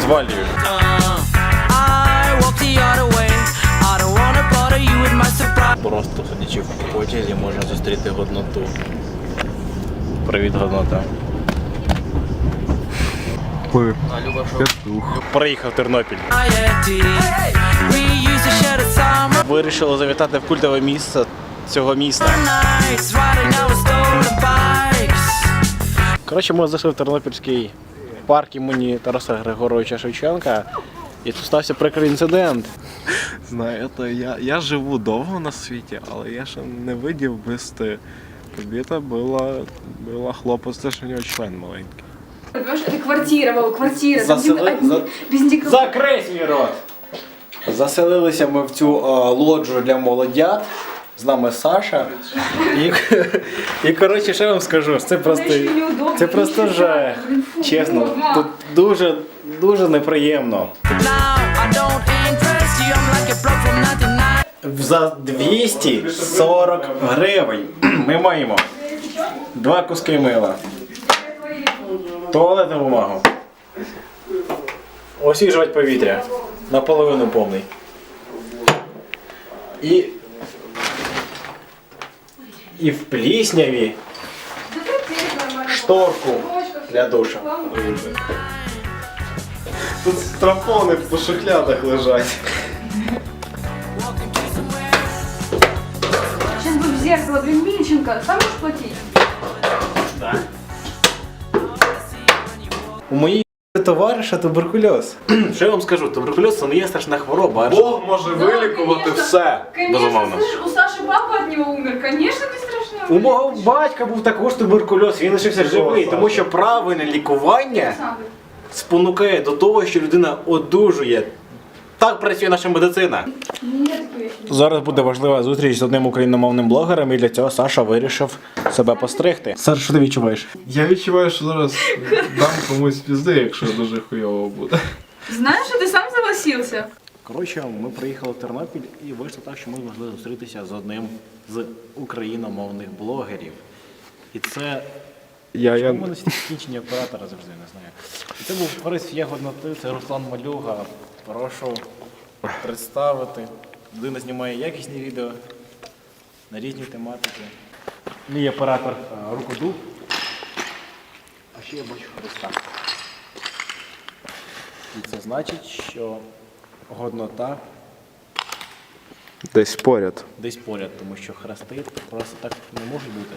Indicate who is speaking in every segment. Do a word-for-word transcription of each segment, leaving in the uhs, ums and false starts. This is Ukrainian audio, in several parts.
Speaker 1: звалюю. Просто сидячи в потязі можна зустріти годноту. Привіт, годнота. Ми. Приїхав в Тернопіль. Вирішили завітати в культове місце цього міста. Коротше, ми зайшли в Тернопільський парк імені Тараса Григоровича Шевченка. І тут стався прикрий інцидент.
Speaker 2: Знаєте, я, я живу довго на світі, але я ще не видів вести. Побіта була, була хлопець, теж у нього член маленький.
Speaker 3: Понимаешь, это квартира, Вова, квартира.
Speaker 1: Засели...
Speaker 3: Там, одни,
Speaker 1: За...
Speaker 3: без никакого...
Speaker 1: Закрий свій рот! Заселилися ми в цю а, лоджу для молодят. З нами Саша. І, і коротше, що я вам скажу, це просто, це просто жах. Чесно, тут дуже, дуже неприємно. За двісті сорок гривень ми маємо два куски мила, туалетну бумагу, освіжувати повітря, наполовину повний. І І в плісняві шторку для душа.
Speaker 2: Тут стропони по шухлядах лежать.
Speaker 3: Сейчас бы в зеркало, блин, Мильченко, сам можешь платить?
Speaker 1: Да. У моїй товариша туберкульоз. Що я вам скажу, туберкульоз це не є страшна хвороба.
Speaker 2: Бог може вилікувати все.
Speaker 3: Конечно, слышишь, у Саши папа от него умер, конечно, не страшно.
Speaker 1: У мого батька був також туберкульоз, він лишився живий, тому що правильне лікування спонукає до того, що людина одужує. Так працює наша медицина. Зараз буде важлива зустріч з одним україномовним блогером, і для цього Саша вирішив себе постригти. Саша, що ти відчуваєш?
Speaker 2: Я відчуваю, що зараз дам комусь пізди, якщо дуже хуйово буде.
Speaker 3: Знаешь, что ты сам согласился?
Speaker 1: Коротше, ми приїхали в Тернопіль і вийшло так, що ми змогли зустрітися з одним з україномовних блогерів. І це...
Speaker 2: Я, я...
Speaker 1: У мене технічні оператори завжди, не знаю. І це був Борис Ягодноти, це Руслан Малюга. Прошу представити. Людина знімає якісні відео на різні тематики. Мій оператор Рукодуб. А ще я бачу Христа. І це значить, що годнота
Speaker 2: десь поряд.
Speaker 1: Десь поряд, тому що хрести просто так не можуть бути.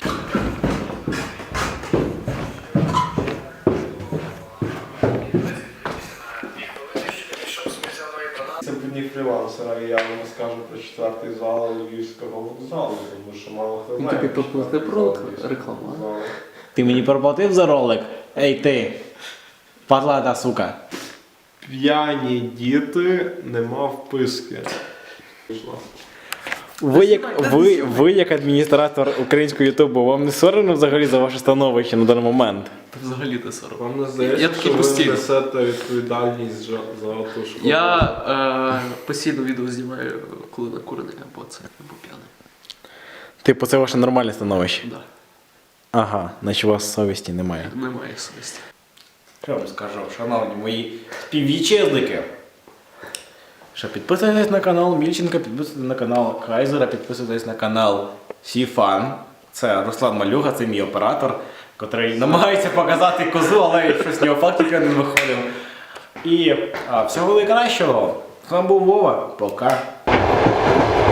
Speaker 2: Це б не фрілансера, я вам скажу про четвертий зал Львівського вокзалу, тому що мало хто знає.
Speaker 4: Тобі проплатив про рекламу?
Speaker 1: Ти мені проплатив за ролик? Ей ти, падлата сука.
Speaker 2: П'яні діти, нема вписки.
Speaker 1: Ви як, ви, ви як адміністратор українського ютубу, вам не соромно взагалі за ваше становище на даний момент?
Speaker 4: Взагалі не сором.
Speaker 2: Вам не здається,
Speaker 4: Я такий
Speaker 2: що ви
Speaker 4: постійно.
Speaker 2: несете відповідальність за, за ту школу?
Speaker 4: Я е, постійно відео знімаю, коли накурений або це, або п'яний.
Speaker 1: Типу, це ваше нормальне становище?
Speaker 4: Да.
Speaker 1: Ага, наче у вас совісті немає.
Speaker 4: Немає совісті.
Speaker 1: Що я вам скажу, шановні мої співвітчизники? Що підписуйтесь на канал Мільченка, підписуйтесь на канал Кайзера, підписуйтесь на канал Сіфан. Це Руслан Малюга, це мій оператор, який намагається показати козу, але щось з нього фактично не виходив. І а, всього найкращого. З вами був Вова. Пока.